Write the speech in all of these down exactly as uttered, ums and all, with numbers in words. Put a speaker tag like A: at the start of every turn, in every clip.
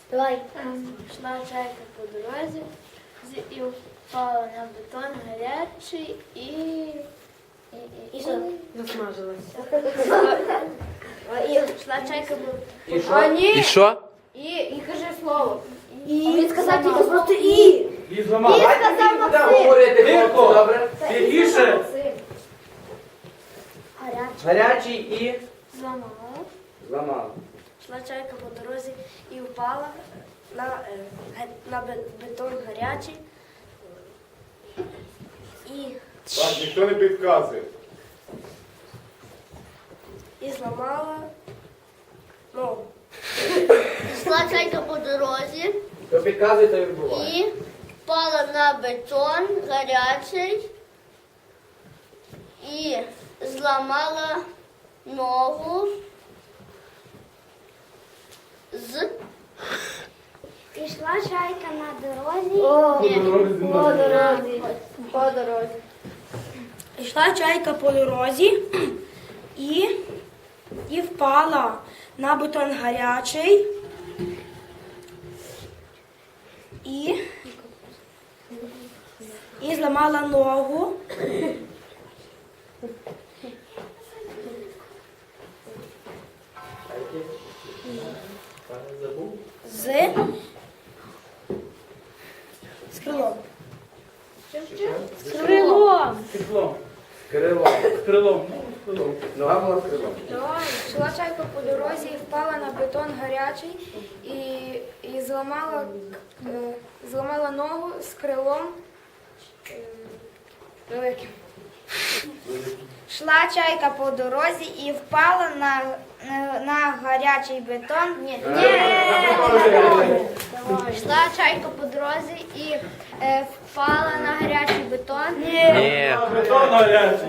A: Давай.
B: Йшла чайка по дорозі з- і впала на бетон гарячий і... І, і,
A: І що?
C: Насмажилась.
B: Йшла чайка по...
D: І
C: А
D: що?
C: ні.
E: І що?
C: І, і кажи слово.
A: І він сказав тільки просто і.
D: І зламав.
A: сказав
D: Давайте тільки будемо
A: Максим.
D: говорити,
E: Тихо.
D: хлопці, добре?
E: Тихіше.
B: Гарячий.
D: Гарячий і
B: Зламала.
D: зламав.
B: Йшла чайка по дорозі і впала на, е, ге- на бе- бетон гарячий. І,
F: Так, ніхто не підказує.
B: і зламала ногу.
A: Йшла чайка по дорозі
D: Хто підказує, то і вбиває.
A: і впала на бетон гарячий і зламала ногу з...
B: Пішла чайка на дорозі.
A: По дорозі. По дорозі.
C: Йшла чайка по дорозі і, і впала на бетон гарячий. І, і зламала ногу
D: Забув?
C: з, з крилом.
D: З
C: Крилом.
E: Крилом.
D: Крилом.
E: Крилом. Ну, крилом.
D: Нога була з крилом.
G: Йшла чайка по дорозі і впала на бетон гарячий і, і зламала, е, зламала ногу з крилом е, великим.
B: Йшла чайка по дорозі і впала на, на, на гарячий бетон. Ні. Йшла чайка по дорозі і е, впала на гарячий бетон.
E: Ні. Бетон гарячий.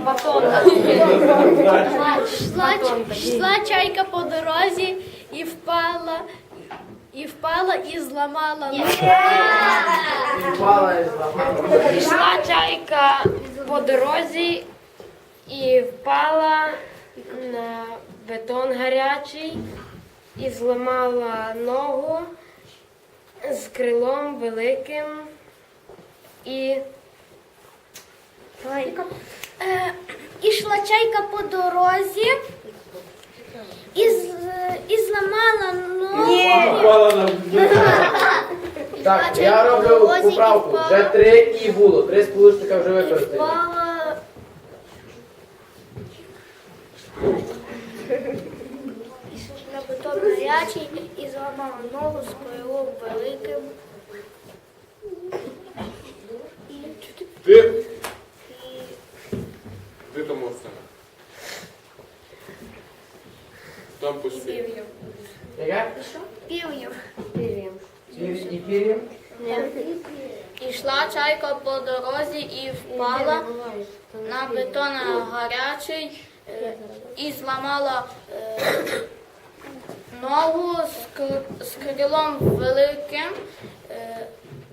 B: Йшла, йшла чайка по дорозі і впала, і впала і зламала ногу.
D: І впала і зламала.
B: Йшла чайка по дорозі і впала на бетон гарячий і зламала ногу з крилом великим і
A: Е, Ішла чайка по дорозі і, з, і зламала ногу.
E: Впала на
D: Так, я роблю поправку. Вже три і було. Три сполучника вже використані.
A: Впала на бетон гарячий і зламала ногу з крилом великим.
F: Ти? Ти тому все. Там пусти.
D: Яке?
A: Пів'їв.
D: Пір- І пір'ям?
B: Ішла чайка по дорозі і впала на бетон гарячий е, і зламала е, ногу з, кр- з крилом великим, е,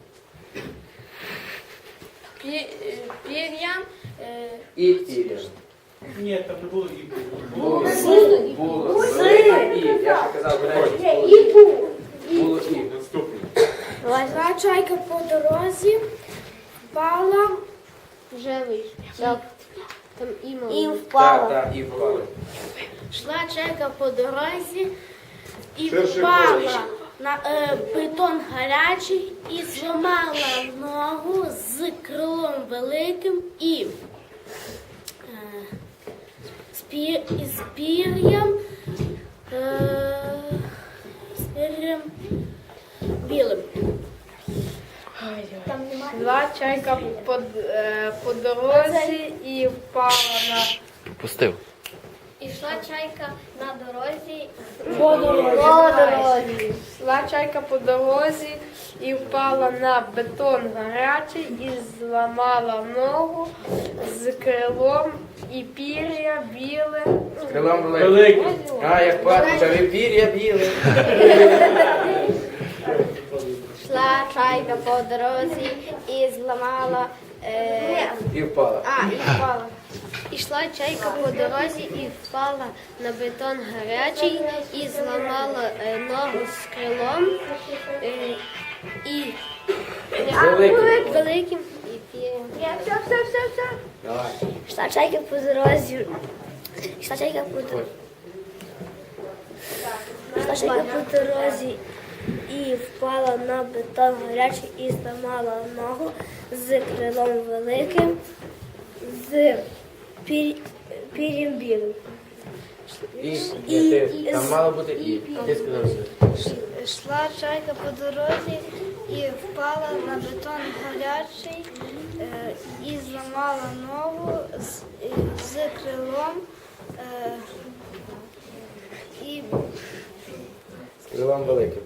B: пі- е, пір'ям. е,
D: І пір'ям.
E: Ні, там не було і
D: Було. Було. І. Я ще казав, бережно. І було. Було і.
F: Наступний.
G: Йшла чайка по дорозі, впала
A: Вже вийшов. Там ім'я. І
D: Так,
A: впала.
D: так, і впала.
B: Йшла чайка по дорозі і
F: Ширше
B: впала
F: коло.
B: на е, бетон гарячий і зламала ногу з крилом великим і е, з, пір, з пір'ям е, з пір'ям білим.
C: Йшла чайка по, е, по дорозі і впала на
E: Пустив.
B: Ішла чайка на дорозі.
C: по дорозі.
A: По дорозі.
C: Йшла чайка по дорозі і впала на бетон гарячий і зламала ногу з крилом і пір'я біле.
D: З крилом великим.
E: Великий.
D: А, як патича, ви пір'я біле.
A: Йшла чайка по дорозі і зламала. Е,
D: І впала.
A: а, і впала.
B: Ішла чайка по дорозі і впала на бетон гарячий і зламала е, ногу з крилом е, і
D: Великим.
B: великим і пір'ям.
A: Все, все, все, все.
D: Давай.
A: Йшла чайка по дорозі. Йшла чайка по дорозі. Йшла чайка по дорозі і впала на бетон гарячий і зламала ногу з крилом великим, з пір... пір'ям білим.
D: І, ні, ти, там мало бути і. Ти сказав все.
A: Йшла чайка по дорозі і впала на бетон гарячий е, і зламала ногу з, е, з крилом е, і
D: З крилом великим.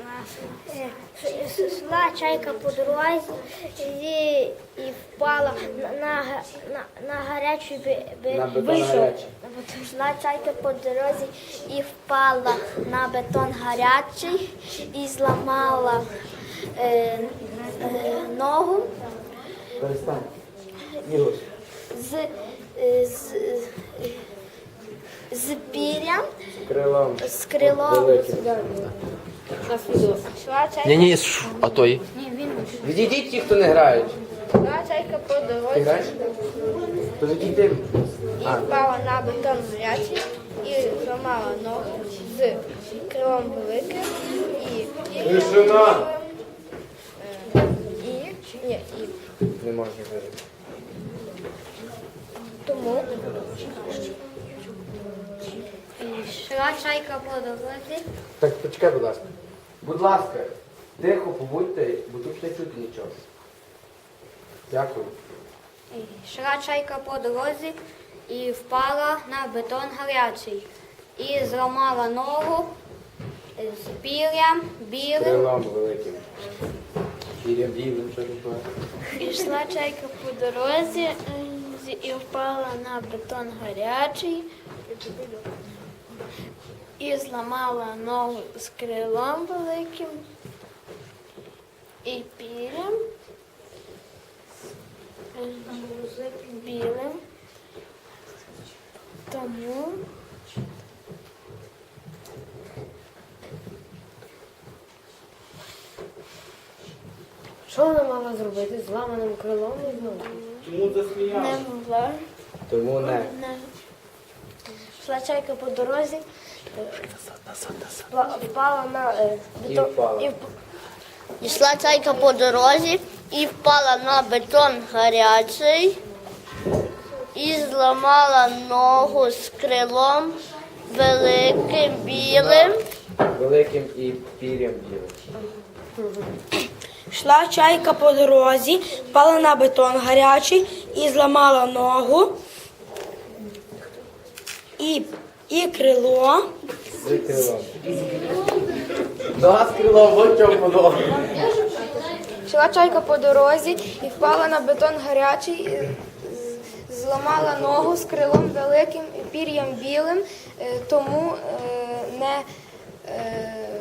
A: йшла чайка по дорозі і, і впала на, на, на, на гарячий бе-
D: На
A: бе-
D: бетон гарячий.
A: Йшла чайка по дорозі і впала на бетон гарячий і зламала е, е, ногу
D: Перестань. Ігор.
A: з, е, з, е, з пір'ям,
D: З крилом.
A: з крилом.
D: Великим.
A: Йшла чайка,
E: Ні, ні, ш- а той.
D: Відійдіть ті, хто не грають.
C: Йшла чайка по
D: Ти
C: дорозі
D: граєш? То відійди.
C: і
D: А,
C: впала на бетон гарячий і зламала ногу з крилом великим і
F: Тишина!
C: і ні, і
D: не можна говорити.
A: тому
B: Йшла чайка по дорозі.
D: Так, почекай, будь ласка. Будь ласка, тихо побудьте, бо тут не чути нічого. Дякую.
B: Йшла чайка по дорозі і впала на бетон гарячий і зламала ногу з пір'ям білим.
D: Крилом великим. Пір'ям білим, що таке?
B: Ішла чайка по дорозі е, і впала на бетон гарячий і зламала ногу з крилом великим і пір'ям е, білим. Тому
C: що вона мала зробити з зламаним крилом і знову?
E: Чому засміявся?
B: не могла.
D: Тому не.
B: Не. Йшла чайка по дорозі,
A: впа- впала на е,
D: І
A: бетон.
D: впала.
A: і вп- Йшла чайка по дорозі і впала на бетон гарячий і зламала ногу з крилом великим білим.
D: Великим і пір'ям білим.
H: Йшла чайка по дорозі, впала на бетон гарячий і зламала ногу і, і крило.
D: З крилом. Нога з крилом, ось чому воно.
G: Йшла чайка по дорозі і впала на бетон гарячий, і з- зламала ногу з крилом великим і пір'ям білим, е, тому е, не, е,